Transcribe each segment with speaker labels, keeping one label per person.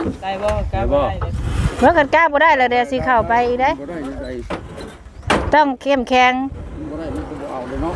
Speaker 1: ได้บ่กล้าบ่ได้
Speaker 2: เมื่อกันกล้าบ่ได้แล้วเดี๋ยวสิเข้าไปอีกได้ต้องเข้มแข็ง
Speaker 3: บ่ได้มันก็บ่เอาเลยเนาะ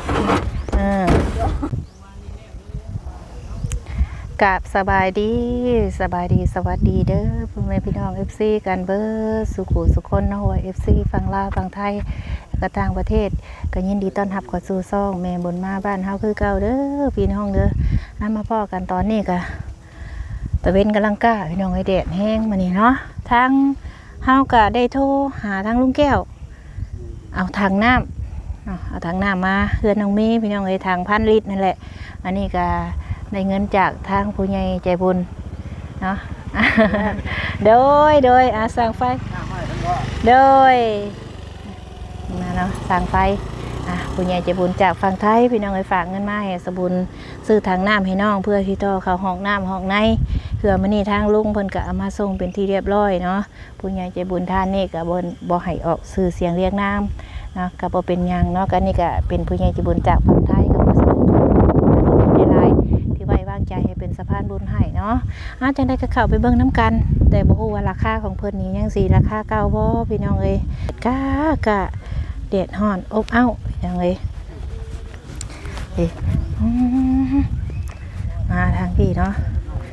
Speaker 2: กับสบายดีสวัสดีเด้อพ่อแม่พี่น้อง FC กันเบิดสุขุสุคนเนาะว่า FC ฝั่งลาวฝั่งไทยก็ต่างประเทศก็ยินดีต้อนรับเข้าสู่ช่องแม่บุญมาบ้านเฮาคือเก่าเด้อพี่น้องเด้อมาพ้อกันตอนนี้ก็ตะเวนกำลังก้าพี่น้องไอ้แดดแห้งมานี่เนาะทางเฮาก็ได้โทรหาทางลุงแก้วเอาถังน้ำเอาถังน้ำมาเฮือนน้องเมย์พี่น้องไอ้ถัง1,000 ลิตรนั่นแหละอันนี้ก็ได้เงินจากทางผู้ใหญ่ใจบุญเนาะโดยสั่งไฟโดยมาเนาะสั่งไฟผู้ใหญ่ใจบุญจากฝั่งไทยพี่น้องไอ้ฝากเงินมาให้สบุญซื้อถังน้ำให้น้องเพื่อที่ต่อเข้าห้องน้ำห้องในเพื่อมื้อนี้ทางลุงเพิ่นก็เอามาส่งเป็นที่เรียบร้อยเนาะผู้ใหญ่ใจบุญท่านนี่ก็บ่ให้ออกสื่อเสียงเรียกน้ำนะก็บ่เป็นหยังเนาะก็นี่ก็เป็นผู้ใหญ่ใจบุญจากฝั่งไทยก็บ่สนุกในไลน์ที่ไว้วางใจให้เป็นสะพานบุญให้เนาะจังได้ก็เข้าไปเบิ่งน้ำกันแต่บ่ฮู้ว่าราคาของเพิ่นนี่ยังสิราคาเก่าบ่พี่น้องเอ้ยกะเด็ดห่อนอบอ้าวอย่างเลยมาทางพี่เนาะ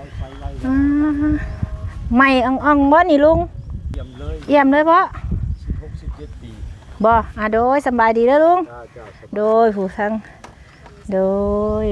Speaker 2: ไม่อ่องบ่นี่ลุงเยี่ยมเลยบ่16-17 ปีบ่โดยสบายดีเด้อลุงโดยผู้ทั้งโดย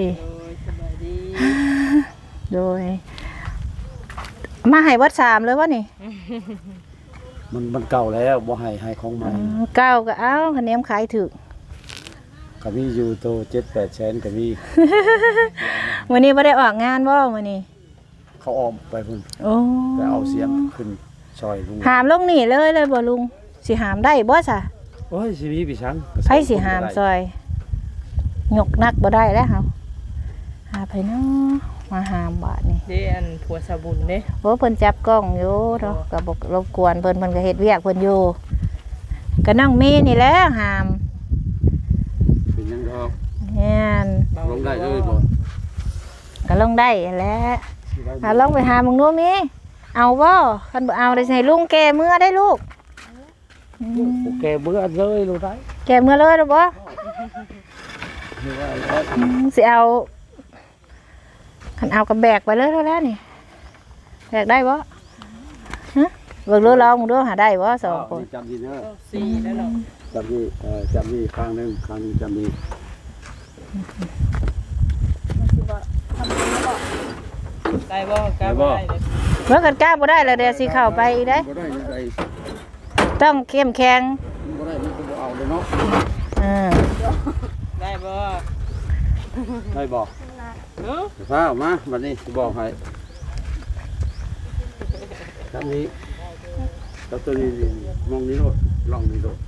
Speaker 2: โดยมาให้วัด3เลยวะนี่
Speaker 3: มันเก่าแล้วบ่ให้ของใหม่
Speaker 2: เก่าก็เอาคะแนนขายถึก
Speaker 3: ก็มีอยู่โต 7-8 แสนก็มี
Speaker 2: มื้อนี้บ่ได้ออกงานบ่มื้อนี้
Speaker 3: เขาออมไปพุ่นแต่เอาเสียงขึ้นซอยลุง
Speaker 2: หามลงนี่เลยบ่ลุงสิหามได้บ่ซะ
Speaker 3: โอ้ยสิมีพี่ชัง
Speaker 2: ไผสิหามซอยยกนักบ่ได้แล้วเฮาหาไผเนาะมาหามบาดนี่
Speaker 1: เด้อันผัวสะบุญเด้
Speaker 2: โอ้เพิ่นจับกล้องอยู่เนาะก็บ่รบกวนเพิ่นก็เฮ็ดเวียกเพิ่นอยู่ก็น้องมีนี่แหละหาม
Speaker 3: เป็นยังดอก
Speaker 2: แม่น
Speaker 3: ลงได้เลยบ่
Speaker 2: ก็ลงได้แหละลองไปหามึงดูมีเอาบ่คันบ่เอาได้ให้ลุงแกเมื่อได้ลูก
Speaker 3: แกเมื่อเลยรู้ได้
Speaker 2: แกเมื่อเลยหรือบ่สิเอาคันเอากับแบกไปเลยแล้วนี่แบกได้บ่ฮะเบิ่งดูลองดูหาได้บ่2คน
Speaker 3: จำดีเด้อ
Speaker 1: 4แล้วเนาะ
Speaker 3: จำดีครั้งนึงจำดี
Speaker 1: ได้บ่กล้าบ่ได้
Speaker 2: เมื่อกันกล้าบ่ได้แล้วเดี๋ยวสิเข้าไปอีกได้ต้องเข้มแข็ง
Speaker 3: บ่ได้มันก็บ่เอาเลยเนาะ
Speaker 1: ได้บ่
Speaker 3: ฟ้าออกมาบัดนี้สิบอกให้ครับนี้ตัวนี้มองนี้โลดลองนี้โลด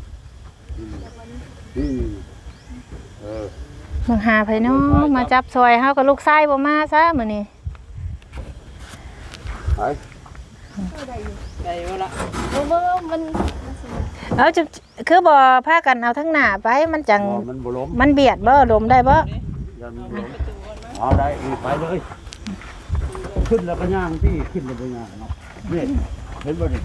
Speaker 2: มึงหาไผเนาะมาจับซอยเฮากับลูกชายบ่มาซะมื้อนี้
Speaker 1: ได้บ่ล่ะ
Speaker 4: บ่มัน
Speaker 2: เอาจะคือบ่พากันเอาทั้งหน้าไปมันจังมันเบียดบ่ลมได้บ่
Speaker 3: เอาได้ไปเลยขึ้นแล้วก็ย่างที่ขึ้นแล้วก็ย่างเนาะนี่เห็นบ่นี่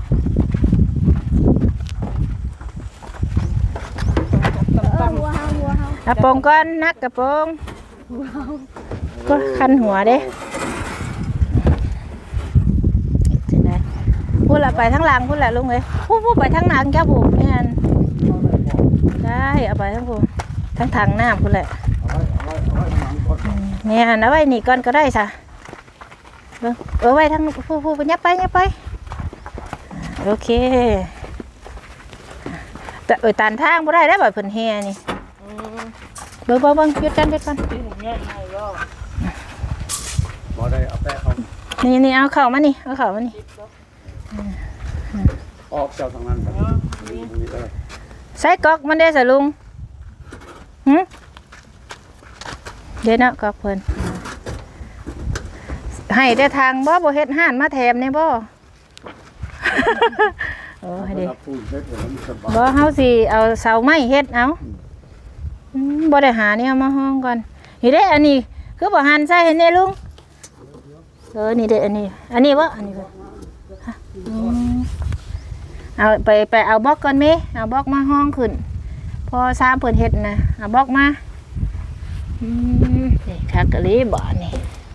Speaker 2: กระโปรงก้อนนักกระโปรงก็คันหัวเด้พูดละไปทั้งหลังพูดละลุงเลยพูดไปทั้งหลังแก้วผูกนี่นได้เอาไปทั้งผูทั้งถังน้ำพูดแหละเนี่ยเอาไว้นี่ก่อนก็ได้ซะเอาไว้ทั้งพูดไปยับไปโอเคแต่ตันทางบ่ได้แล้วแบบเพิ่นเฮียนี่เบิ่งหยุดกัน
Speaker 3: บ่ได้เอาแป้เขา
Speaker 2: นี่เอาเข่ามานี่เอาเข่ามานี่
Speaker 3: ออกเจ้าทางนั้นครับ
Speaker 2: ใส่ก๊อกมันได้สะลุงเดี๋ยวนะก๊อกเพิ่นให้ได้ทางบ่เฮ็ดห่านมาแถมเนี่ยบ่โอ้ให้ดิบ่เฮาสิเอาเสาไม้เฮ็ดเอาบ่ได้หาเนี่ยมาห้องก่อนนี่เด้อันนี้คือบ่หั่นใส่ให้แน่ลุงนี่เด้ออันนี้บ่อันนี้บ่ฮะเอาไปเอาบล็อกก่อนมั้ยเอาบล็อกมาห้องขึ้นพอซ้ำเพิ่นเฮ็ดนะเอาบล็อกมานี่คักกะลีบ่นี่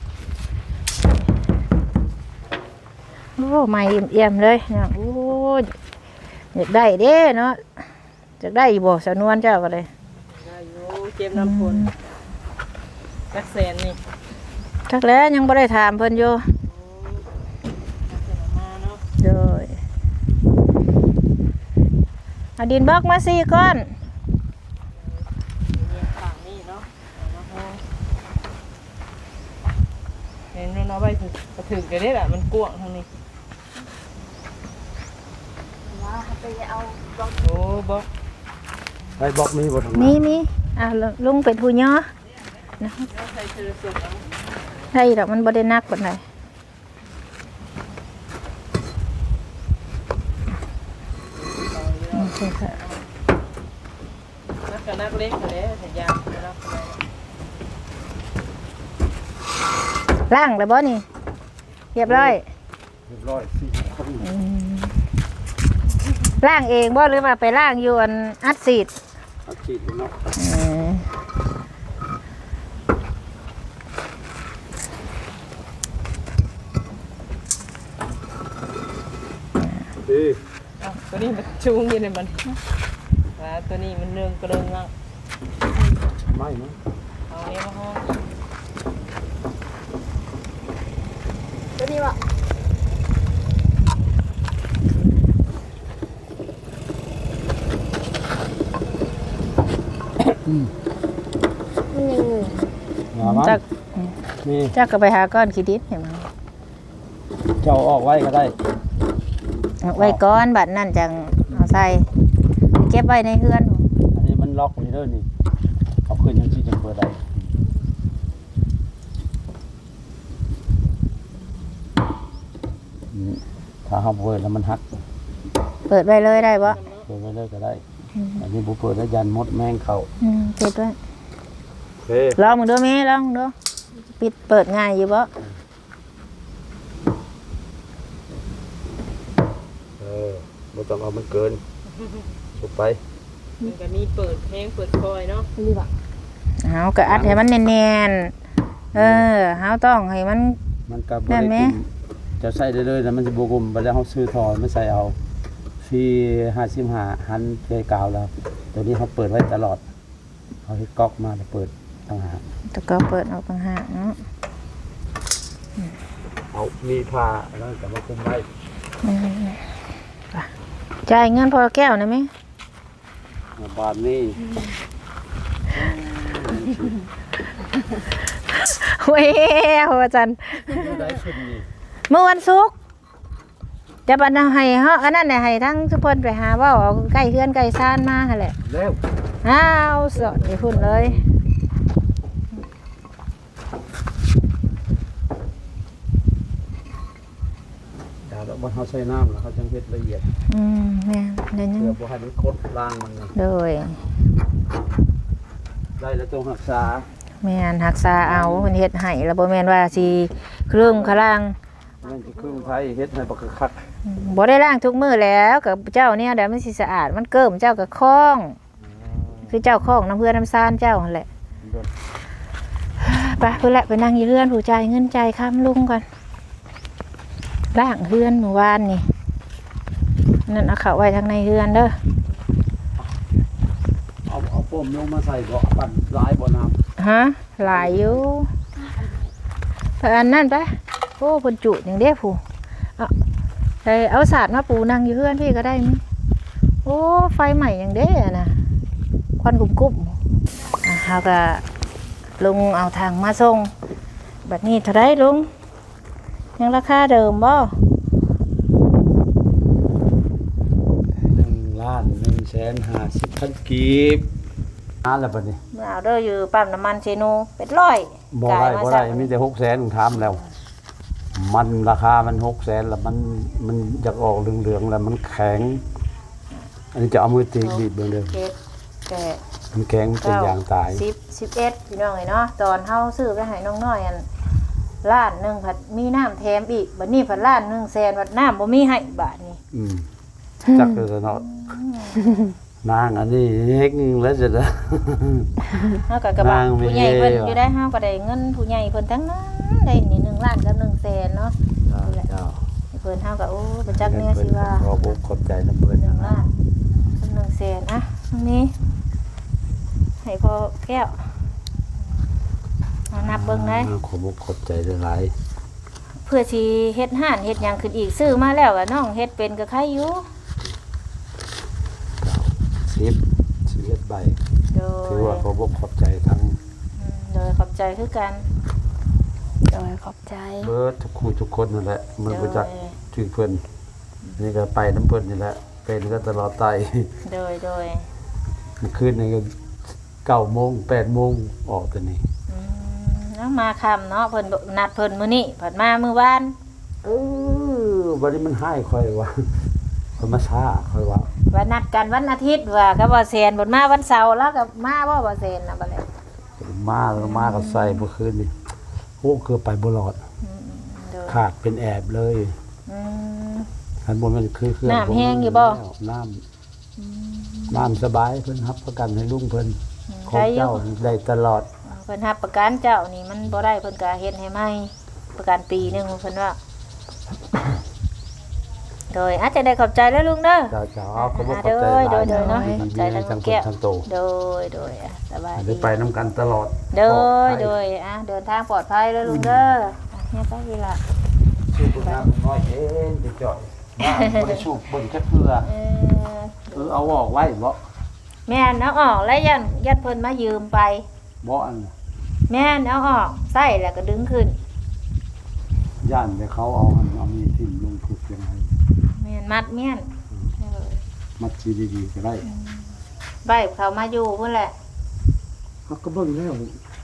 Speaker 2: โอ้ไม่เอี่ยมเลยเนี่ยโอ้อยากได้เด้เนาะอยากได้บ่สะนวนเจ้าก็เลย
Speaker 1: ได้อยู่เจ็บน้ำฝนจักแสนนี่
Speaker 2: ทักแล้วยังบ่ได้ถามเพิ่นอยู่
Speaker 1: จักแสนมาเนาะ
Speaker 2: โดยเอาดินบล็อกมา4ก้อน
Speaker 1: เรียงฝั่งนี่เนาะเอามาห้องเห็นมันเอาไปถึงกันได้แหละมันกว้างทางนี้โอ้บอก
Speaker 3: ไปบอกมีบ่ทางนั้น
Speaker 2: มีลุงเป็นผู้ย่อนะ
Speaker 1: แล้วใส่เธอสุกเอา
Speaker 2: ได้ดอกมันบ่ได้หนักปานใด
Speaker 1: นักกับนักเล็กกันเลยสัญญาณนักอะไร
Speaker 2: ล้างแล้วบ่นี่เรียบร้อย
Speaker 3: เรียบร้อยสิคน
Speaker 2: ล้างเองบ่หรือว่าไปล้างอยู่อันอัดซีด
Speaker 3: อาชีพเนาะดี
Speaker 1: ตัวนี้มันชูงอยังไงมันตัวนี้มันเรื่องกระเรื่องอ่ะ
Speaker 3: ไม่เนาะ
Speaker 1: เอาเนี้ยมาห้อง
Speaker 2: ตัวนี้บ่
Speaker 3: อย่ามัน
Speaker 2: จัก
Speaker 3: นี่
Speaker 2: จักก็ไปหาก้อนขี้ดินให้มัน
Speaker 3: เจ้าออกไว้ก็ได้
Speaker 2: เอาไว้ก้อนบัดนั้นจังเอาใส่เก็บไว้ในเฮือน
Speaker 3: อันนี้มันล็อกนี่เด้อนี่เอาขึ้นยังที่จะเปิดได้ถ้าเฮาเปิดแล้วมันหัก
Speaker 2: เปิดไว้เลยได้บ่
Speaker 3: เปิดไว้เลยก็ได้ อันนี้บ่เปิดแล้วยันมดแมงเข้า
Speaker 2: เปิดไว้
Speaker 3: โอเค
Speaker 2: ลองมึงดูแม่ลองมึงดูปิดเปิดง่ายอยู่บ่
Speaker 3: บ่ต้องเอามันเกินสุกไป
Speaker 1: มันก็มีเปิดเพลงเปิดคอยเนาะ
Speaker 2: เฮาก็อัดให้มันแน่นๆเฮาต้องให้มัน
Speaker 3: มันก็บ่
Speaker 2: นั่
Speaker 3: ได้
Speaker 2: นไหม
Speaker 3: กุมจะใส่ได้เลยนะมันสิบ่กุมบัดแล้วเฮาซื้อทอมาใส่เอาฟรี55หันเพกาวแล้ว ตัวนี้เขาเปิดไว้ตลอดเขาให้ก๊อกมาแล้วเปิดต่างหาก
Speaker 2: ตะก็เปิดออกต่างหากเนาะ
Speaker 3: เอามีผ้าแล้วก็มาคุมไว้
Speaker 2: จ่ายเงินพอแก้วนะแม่
Speaker 3: บานนี้
Speaker 2: เว้ยอาจารย์
Speaker 3: ได้ขึ้นนี่
Speaker 2: เมื่อวันศุกร์จะบัดนให้เฮาอันนั้นน่ะให้ทั้งทุกคนไปหาเว้าเอาใกล้เฮือนใกล้ซ่านมาหั่นแหละ
Speaker 3: แล้ว
Speaker 2: อ้าวสดไปพุ่นเลย
Speaker 3: ดาวแล้วบนเขาใส่น้ำแล้วเขาจังเฮ็ดละเอียด
Speaker 2: แม่เดี๋ยวยัง
Speaker 3: เพื่อบ่ให้มันคดล่างมันนะ
Speaker 2: โดย
Speaker 3: ได้แล้วต้องรักษา
Speaker 2: แม่นรักษาเอาเพิ่นเฮ็ดให้แล้วบ่แม่นว่าสิครึ่งคลัง
Speaker 3: มันจะครึ่งไทยเฮ็ดให้บักคัก
Speaker 2: บ่ได้ล้างทุกมื้อแล้วกับเจ้าเนี่ยเดี๋ยวมันสิสะอาดมันเกิ่มเจ้าก็คล้อง คือเจ้าคล้องน้ำเพื่อนน้ำซ่านเจ้าหั่นแหละไปเพิ่นแหละไปนั่งอยู่เฮือนผู้จ่ายเงินจ่ายค้ำลุงก่อนล้างเฮือนเมื่อวานนี่นั่นเอาเข้าไว้ทางในเฮือนเด้อ
Speaker 3: เอาป้มลงมาใส่บ่ปั่นหลายบ่น้ำ
Speaker 2: ฮะหลายอยู่ไปอันนั่นไปโอ้เพิ่นจุอย่างเด้ผู้เอาสาดมาปูนั่งอยู่เฮือนพี่ก็ได้มั้ยโอ้ไฟใหม่อย่างเด้อะนะควันกุ่มๆเฮาก็ลุงเอาทางมาส่งบัดนี้เท่าไรลุงยังราคาเดิมบ่
Speaker 3: 1,150,000 กีบแล้วบัดนี้
Speaker 2: เมื่อเอาเด้ออยู่ปั๊มน้ำมันเชนูเป็ดร้อย
Speaker 3: บ่ได้มีแต่600,000ผมถามแล้ว มันราคามัน600,000แล้วมันอยากออกเหลืองๆแล้วมันแข็ง อันนี้จะเอามือตีบีบเบิ่งเด้อ
Speaker 2: เจ็ดแปด
Speaker 3: มันแข็งมันเป็นยางตาย
Speaker 2: 11พี่น้องเนาะตอนเฮาซื้อไปให้น้องน้อยอันล้านหนึงผัดมีน้ำแถมอีกบัดนี้ผัดล้าน1แสนบัดน้ำบ่มีให้บาทนี้
Speaker 3: จักเลยเนาะนางอันนี้เฮ็กแล้วจะได้
Speaker 2: เฮาก็กระบะ
Speaker 3: นางมี
Speaker 2: ผู้ใหญ่เพิ่น
Speaker 3: เฮ้
Speaker 2: อยู่ได้เฮาก็ได้เงินผู้ใหญ่เพิ่นทั้งนั้นได้นี่1ล้านกับ1แสนเนาะ
Speaker 3: เจ้า
Speaker 2: เพิ่นเฮาก็โอ้บ่จักแน่สิว่า
Speaker 3: ขอบอกขอบใจน้ำเพิ่น
Speaker 2: 1ล้านกับ1แสนอ่ะตรงนี้ให้พ่อแก้วเอานับเบิ่งได้
Speaker 3: ขอบอกขอบใจหลาย
Speaker 2: เพื่อสิเฮ็ดห้านเฮ็ดหยังขึ้นอีกซื้อมาแล้วก็น้องเฮ็ดเป็นก็ใครอยู่
Speaker 3: 11ใบ
Speaker 2: โด
Speaker 3: ถือย ว่าขอบอกขอบใจทั้ง
Speaker 2: โดยขอบใจคือกัน
Speaker 4: โดยขอบใจ
Speaker 3: เบิดทุกคู่ทุกคนนั่นแหละมัน
Speaker 2: โด
Speaker 3: บ่จัก
Speaker 2: ย
Speaker 3: ถึงเพิ่นนี่ก็ไปน้ำเพิ่นนี่แหละเป็นก็ตลอดไต
Speaker 2: โดย
Speaker 3: เมื่อคืนนี่ก็9 โมง 8 โมงออกตัวนี้
Speaker 2: แล้วมาค่ำเนาะเพิ่นนัดเพิ่นมื้อนี้เพิ่นมามื้อวาน
Speaker 3: วันนี้มันให้ค่อยว่าคนมาช้าค่อยว่า
Speaker 2: ว่านัดกันวันอาทิตย์ว่าก็บ่แซนเพิ่นมาวันเสาร์แล้วก็มาบ่แซนน่ะบัดนี้
Speaker 3: มาแล้วมาก็ใส่เมื่อคืนนี่โอ้คือไปบ่รอด
Speaker 2: โดย
Speaker 3: ขาดเป็นแอบเลย
Speaker 2: อืม
Speaker 3: อันบนมันคือเครื่อง
Speaker 2: น้ำแห้งอยู่บ่
Speaker 3: น้ำสบายเพิ่นรับประกันให้ลุงเพิ่นขอ
Speaker 2: ได้
Speaker 3: ง
Speaker 2: อยู่
Speaker 3: เจ้าได้ตลอด
Speaker 2: เพิ่นรับประกันเจ้านี่มันบ่ได้เพิ่นก็เฮ็ดให้ใหม่ประกันปีหนึงเพิ่นว่า โดยอาจจะได้ขอบใจแล้วลุงเด้อ
Speaker 3: เจ้าเจ้าเอาขอบคุณข
Speaker 2: โด
Speaker 3: อบใจ
Speaker 2: ย
Speaker 3: หลาย
Speaker 2: โดยเนาะ
Speaker 3: ดี
Speaker 2: ขอบใจ
Speaker 3: ๆ
Speaker 2: ทั้
Speaker 3: ทั้
Speaker 2: ง
Speaker 3: ง
Speaker 2: แก้ว
Speaker 3: ทั้งโต
Speaker 2: โดยสบาย
Speaker 3: ได้
Speaker 2: ดี
Speaker 3: ไปน้ำกันตลอด
Speaker 2: โดย
Speaker 3: ปลอภั
Speaker 2: โดยเดินทางปลอดภัยแล้วลุงเด้อเนี่ยไปอีหละ
Speaker 3: ชื่อคุณน้ำน้อยเอ็นไปจ่อยน้ำบ่ได้สูบเบิ่งแค่เพื่อเอาออกไว้บ่
Speaker 2: แม่นเอาออกแล้วยันเพิ่นมายืมไป
Speaker 3: บ่อัน
Speaker 2: แม่นเอาออกใส่แล้วก็ดึงขึ้น
Speaker 3: ย่านไปเขาเอามีทิ่มลงถูกยังไง
Speaker 2: แม่นมัดแม่น
Speaker 3: มัดชีดีๆก็ได้
Speaker 2: ใบเขามาอยู่พุ่นแหละ
Speaker 3: เขาก็เบิ่งแล้ว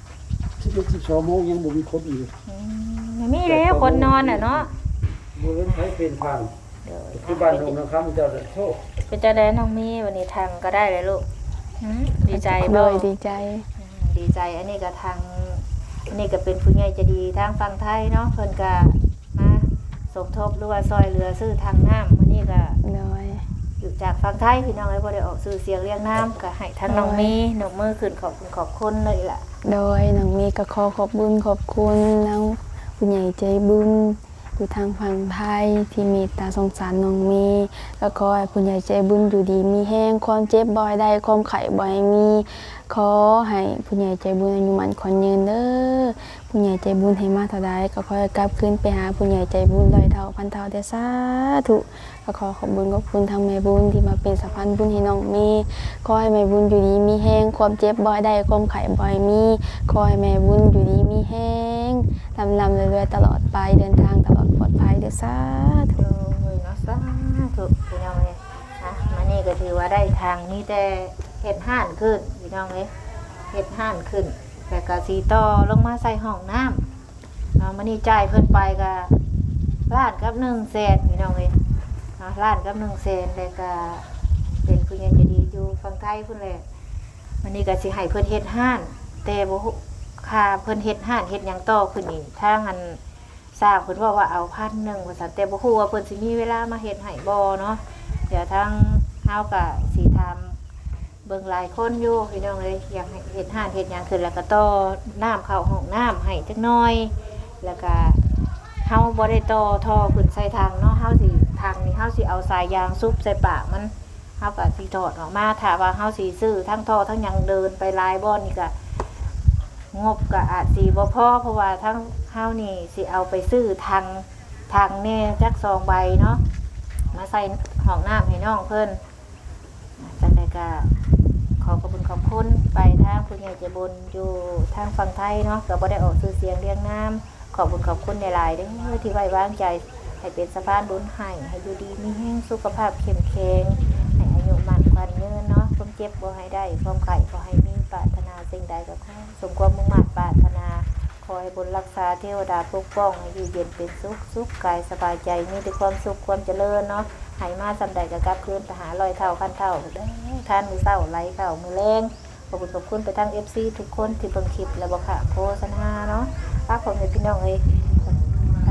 Speaker 3: 11-12 โมงยังบ่มีคนอีก
Speaker 2: ไม่มีแล้วคนนอนน่ะเนาะ
Speaker 3: บ่เห็นใครเป็นทาง
Speaker 2: เดี๋ยว
Speaker 3: คือบ้านตรงนั้นครับเจ้าโชค
Speaker 2: เป็นจะได้น้องมีวันนี้ทางก็ได้เลยลูกดีใจ
Speaker 4: โด
Speaker 2: บ่
Speaker 4: ยดีใจ
Speaker 2: ดีใจอันนี้ก็ทางอันนี้ก็เป็นผู้ใหญ่ใจะดีทางฝั่งไทยเนาะเพิ่นก็มาสมทบหรือว่าซอยเรือซื้อทางน้ำมื้อนี้ก็
Speaker 4: โดย
Speaker 2: อยู่จากฝั่งไทยพี่น้องเอ้ยบ่ได้ออกซื้อเสียงเรียงน้ำก็ให้ทางน้องมีนกมือขึ้นขอบคุณเลยล่ะ
Speaker 4: โดยน้องมีก็ขอขอบบุญขอบคุณน้องผู้ใหญ่ใจบุญอยู่ทางฝั่งไทยที่เมตตาสงสารน้องมีก็ขอให้ผู้ใหญ่ใจบุญอยู่ดีมีแห้งความเจ็บบ่อยได้ความไข้บ่อยมีขอให้ผู้ใหญ่ใจบุญอายุมันขวัญยืนเด้อผู้ใหญ่ใจบุญให้มาเท่าใดก็ขอให้กลับคืนไปหาผู้ใหญ่ใจบุญร้อยเท่าพันเท่าเด้อสาธุก็ขอขอบบุญขอบคุณทางแม่บุญที่มาเป็นสะพานบุญให้น้องมีขอให้แม่บุญอยู่ดีมีแห้งความเจ็บบ่อยได้ความไข้บ่อยมีขอให้แม่บุญอยู่ดีมีแห้งลำเรื่อยๆตลอดไปเดินทางตลอดปลอดภัยเด้อสาธุ
Speaker 2: โอ้ยเนาะสาธุพี่น้องเอ้ยมานี่ก็ถือว่าได้ทางนี้แต่เฮ็ดห้านขึ้นพี่น้องเอ้ยเฮ็ดห้านขึ้นแต่ก็สีต่อลงมาใส่ห้องน้ำมานี่จ่ายเพิ่นไปก็ล้านกับ1แสนพี่น้องเอ้ยล้านกับ1แสนแล้วก็เป็นผู้ใหญ่ใจะดีอยู่ฝั่งไทยพุ่นแหละวันนี้ก็สิให้เพิ่นเฮ็ดห้านแต่บ่ฮู้ค่าเพิ่นเฮ็ดห้านเฮ็ดหยังต่อขึ้นนี่ทางอันสร้างเพิ่นว่าเอา1,000ว่าซั่นแต่บ่ฮู้ว่าเพิ่นสิมีเวลามาเฮ็ดให้บ่เนาะเดี๋ยวทางเฮาก็สิทำเบิ่งหลายคนอยู่พี่น้องเอ้ยอยากให้เฮ็ดห้านเฮ็ดหยังขึ้นแล้วก็ต่อน้ำเข้าห้องน้ำให้จักหน่อยแล้วก็เฮาบ่ได้ต่อท่อขึ้นใส่ทางเนาะเฮาสิทางนี้เฮาสิเอาสายยางซุบใส่ปากมันเฮาก็สิถอดออกมาถ้าว่าเฮาสิซื้อทั้งท่อทั้งหยังเดินไปหลายบ่อนนี่ก็งบก็อาจสิบ่พอเพราะว่าทั้งเฮานี่สิเอาไปซื้อทางแน่จัก2ใบเนาะมาใส่ห้องน้ำให้น้องเพิ่นจังได๋ก็ขอขอบคุณขอบคุณไปทางผู้ใหญ่ใจบุญอยู่ทางฝั่งไทยเนาะก็บ่ได้ออกชื่อเสียงเรียงนามขอบคุณขอบคุณหลายๆเด้อที่ไว้วางใจให้เป็นสะพานบุญให้อยู่ดีมีแรงสุขภาพเข้มแข็งให้อายุมั่นขวัญยืนเนาะความเจ็บบ่ให้ได้ความไข้บ่ให้มีปรารถนาสิ่งใดก็ขอสมความมุ่งมั่นปรารถนาขอให้บุญรักษาเทวดาปกป้องให้อยู่เย็นเป็นสุขกายสบายใจมีแต่ความสุขความเจริญเนาะให้มาสำใดก็กลับคืนไปหา100 เท่าพันเท่าเด้อทานมื้อเช้าไหลเข้ามื้อแลงขอบคุณขอบคุณไปทั้ง FC ทุกคนที่เบิ่งคลิปและบ่ค่ะโฆษณาเนาะฝากผมให้พี่น้องเอ้ย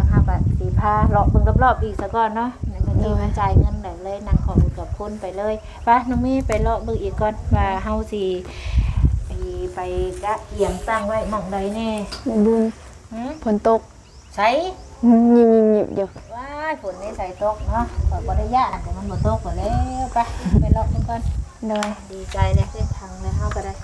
Speaker 2: เฮาก็สิพาเลาะเบิ่งรอบๆอีกซะก่อนเนาะนั่นก็ที่มันจ่ายเงินได้เลยนั่งขอกับคนไปเลยไปน้องเมย์ไปเลาะเบิ่งอีกก่อนว่าเฮาสิไปกะเอียงตั้งไว้หม่องใดแน่
Speaker 4: แม่บุญฝนตก
Speaker 2: ใช้
Speaker 4: ยิบๆอยู่
Speaker 2: ว้ายฝนนี่ใส่ตกเนาะข่อยบ่ได้ย่านแต่มันบ่ตกก็แล้วไปเลาะเบิ่งก่อน
Speaker 4: โดย
Speaker 2: ดีใจเลยได้ทางเลยเฮาก็ได้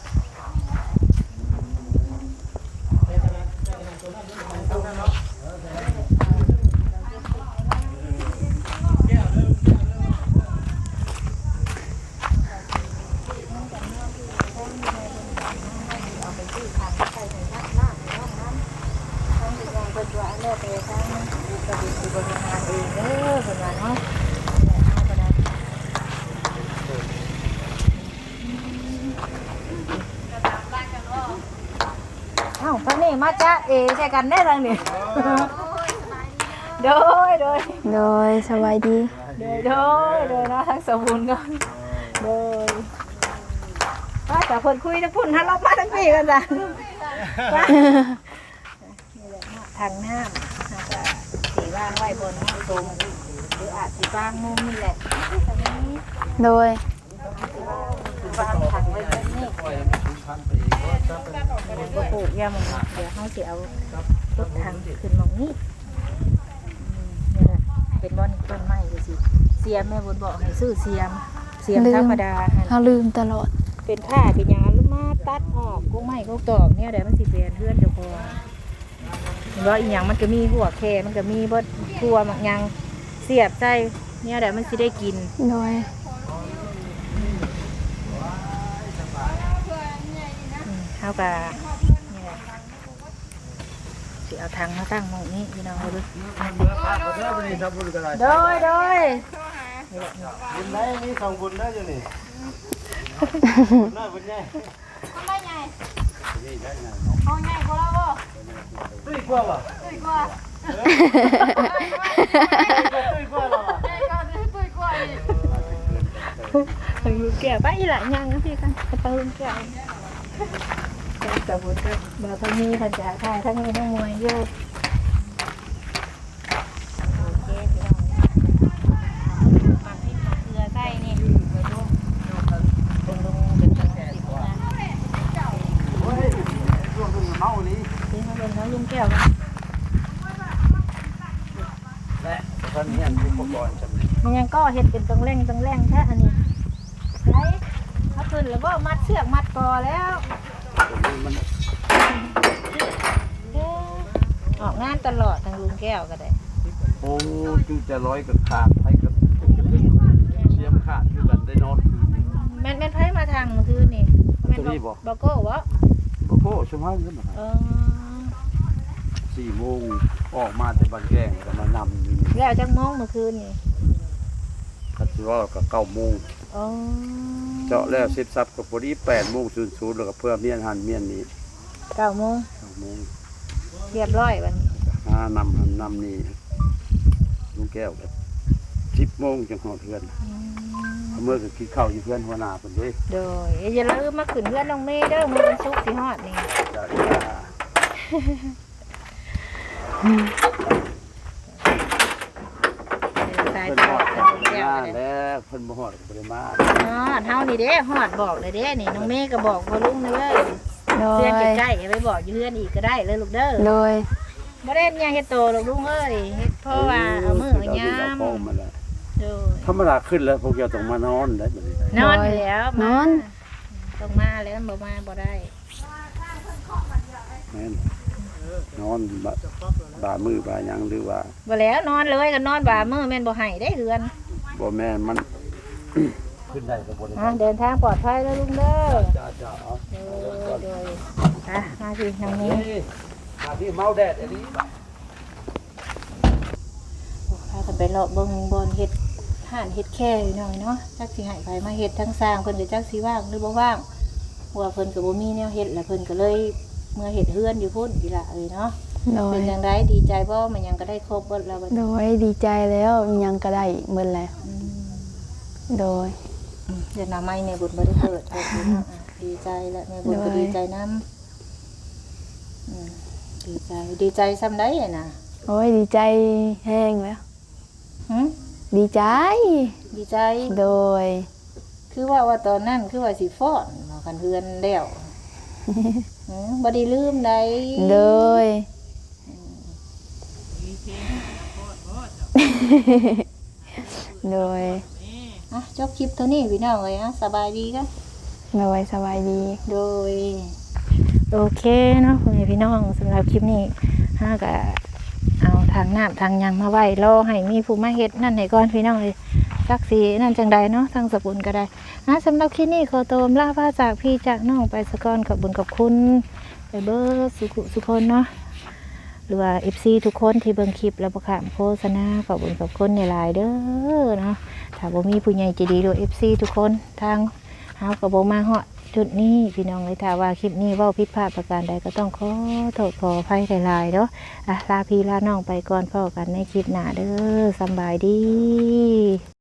Speaker 2: เอ้าพระนี่มาจ้าเอใช่กันได้ทางนี้โดย
Speaker 4: โดยสบายดี
Speaker 2: โดยนะทั้งสมบูรณ์กันโดยว่าแต่คนคุยทั้งพุ่นฮัลโหลมาทั้งพี่กันจ้ะนี่แหละทางน้ำอาจจะสีว่างไว้บนห้องตรงหรืออาจสีว่างมุมนี่แหละตรงนี้
Speaker 4: โดย
Speaker 2: สีว่างถังไว้บนนี้ก็ปลูกยามันเดี๋ยวเขาจะเอารถถังขึ้นมองนี้นี่แหละเป็นบ่อนต้นไม้ก็สิเสียมแม่บุญบอกให้ซื้อเสียมธรรมดา
Speaker 4: เฮาลืมตลอด
Speaker 2: เป็นผ้าเป็นยางลูกมาตัดออกกุ้งไม้กุ้งตอกเนี่ยเดี๋ยวมันสิเปลี่ยนเพื่อนเจ้าของว่าอีหยังมันก็มีหัวแค่มันก็มีบดทั่วมักยังเสียบใจเนี่ยเดี๋ยวมันสิได้กิน
Speaker 4: โดย
Speaker 2: เท่ากับนี่แหละสิเอาทางมาตั้งหมองนี้พี่น้องเขาดูโดยนี่แหละ
Speaker 3: บุญได้มีสองบุญได้อยู่นี่บุญน้อยบุญใหญ่ตุ้ยกว่าบ่ตุ้ยกว่าหรอ
Speaker 2: ถึงลูกแก้วไปอีหละยังนะพี่กันไปลูกแก้วแต่บุญก็บ่ทั้งนี้ทั้งจ่าค่ายทั้งนี้ทั้งมวยอยู่โอเคพี่น้องมาพริกมะเขือใส่นี่ไปดูเป็นลงเป็นจังสิบนะ
Speaker 3: โอ้ยช่วงเมานี่
Speaker 2: ซื้อมาเป็นทั้งลุงแก้วกัน
Speaker 3: และตอนนี้อันอุปกรณ์จำเป็น
Speaker 2: มันยังก็เห็ดเป็นตรงแรงแค่อันนี้ใช่ถ้าขึ้นแล้วก็มัดเชือกมัดคอแล้ว
Speaker 3: มัน
Speaker 2: ออกงานตลอดทางลุงแก้วก็ได้
Speaker 3: โอ้จูจะร้อยกับขาดให้กับเชียมขาดคือกันได้นอนคืน
Speaker 2: แม่นไผมาทางเมื่อคืนนี่แม่นบอกโก้วะ
Speaker 3: โอ้โหชั่วโมงนึง 4 โมงออกมาแต่บ้านแกงก็มานำ
Speaker 2: แล้วจังมองเมื่อคืนนี่
Speaker 3: ก็สิว่าก็9 โมง
Speaker 2: อ๋อ
Speaker 3: เจาะแล้วเสร็จสับก็พอดี8 โมง00แล้วก็เพื่อเมียนหันเมียนนี้
Speaker 2: 9 โมง
Speaker 3: 9 โมง
Speaker 2: เรียบร้อยวันนี้
Speaker 3: หานำหันนำนี่ลุงแก้วก็10 โมงจังหอดเพื่อนเมื่อก็กินข้าวอยู่เพื่อนหัวหน้าเพิ่นเด้
Speaker 2: โดยอย่าลืมมาขึ้นเพื่อนน้องเมย์เด้อมื้อวันศุกร์สิฮอดนี่
Speaker 3: จ้า
Speaker 2: สาย
Speaker 3: เพิ่น
Speaker 2: ต
Speaker 3: ฮ
Speaker 2: ล
Speaker 3: อ
Speaker 2: อ
Speaker 3: ด
Speaker 2: ด
Speaker 3: กั
Speaker 2: ทางลุงแก้ว
Speaker 3: มา
Speaker 2: ก็ได้
Speaker 3: แล้วเพิ่นบ่ฮอดก็บ่ได้มา
Speaker 2: ฮอดเฮานี่เด้ฮอดบอกเลยเด้นี่น้องเมย์ก็บอกพ่อลุงเลย
Speaker 4: โด
Speaker 2: เพื่อย นใกล้ๆไปบอกอยู่เพื่อนอีกก็ได้เลยลูกเด้อ
Speaker 4: โดย
Speaker 2: บ่ได้ยังเฮ็ดโตลูกลุงเอ้ยเฮ็ดเพราะว่าเอามือเอายาม
Speaker 3: เอามาแล้ว
Speaker 2: โดย
Speaker 3: ธรรมดาขึ้นแล้วพวกเจ้าต้องมานอนได้บัดนี้
Speaker 2: นอนอยู่แล้ว
Speaker 4: นอน
Speaker 2: ต้องมาแล้วบ่มาบ่ได้
Speaker 3: แม่นนอนบ่ามือบ่าหยังหรือว่า
Speaker 2: บ่แล้วนอนเลยก็นอนบ่ามื้อแม่นบ่ให้ได้เฮือน
Speaker 3: บ่แม่นมัน ขึ้นได้ก็บ่ได้
Speaker 2: เดินทางปลอดภัยแล้วลุงเด้อ
Speaker 3: จ้าเอา
Speaker 2: โดยมาสินางนี้
Speaker 3: มาที่เมาแดดอันนี้
Speaker 2: พากันไปเลาะเบิ่งบ่อนเฮ็ดห่านเฮ็ดแค่อยู่หน่อยเนาะจักสิให้ไผมาเฮ็ดทั้งสร้างเพิ่นก็จักสิว่างหรือบ่ว่างว่าเพิ่นก็บ่มีแนวเฮ็ดแล้วเพิ่นก็เลยเมื่อเฮ็ดเฮือนอยู่พุ่นอีหล่ะเอ้ยเนาะ
Speaker 4: โดย
Speaker 2: เป็นจังไดดีใจบ่มันยังก็ได้ครบเบิดแล้วบัด
Speaker 4: โด
Speaker 2: นี้
Speaker 4: ยดีใจแล้วยังก็ได้หมดแล้ว โดย
Speaker 2: เดี๋ยวหน้าไม้ในบุญบ่ได้เปิดเนาะดีใจแล้วแม่บุญก็ดีใจนำดีใจซ้ำได้น่ะ
Speaker 4: โอ้ยดีใจแห้งแล้ว
Speaker 2: หึ
Speaker 4: ดีใจ
Speaker 2: ดีใจ
Speaker 4: โดย
Speaker 2: คือว่าตอนนั้นคือว่าสิฟ้อนเนาะคันเฮือนแล้วบ่ได้ลืมใด
Speaker 4: โดย โดย
Speaker 2: อ่ะจบคลิปเท่านี้พี่น้องเอ้ยอ่ะสบายดีกัน
Speaker 4: โดยสบายดี
Speaker 2: โดยโอเคเนาะพ่อแม่พี่น้องสำหรับคลิปนี้ห้าก็เอาทางน้ำทางหยังมาไว้รอให้มีผู้มาเฮ็ดนั่นให้ก่อนพี่น้องเลยสักสีนั่นจังใดเนาะทางสกุลก็ได้สำหรับคลิปนี้ขอตัวลาพาจากพี่จากน้องไปสะก่อนขอบคุญขอบคุณไปเบิร์สุคนเนาะหรือว่า FC ทุกคนที่เบิ่งคลิปแล้วบ่ขามโฆษณาขอบคุญขอบคุณหลายๆเด้อเนาะถ้าบ่มีผู้ใหญ่ใจดีหรือ FC ทุกคนทางเฮาก็บ่มาฮอดจุดนี้พี่น้องเลยถ้าว่าคลิปนี้เว้าผิดพลาดประการใดก็ต้องขอโทษขออภัยหลายๆเนาะลาพี่ลาน้องไปก่อนพบกันในคลิปหน้าเด้อสำบายดี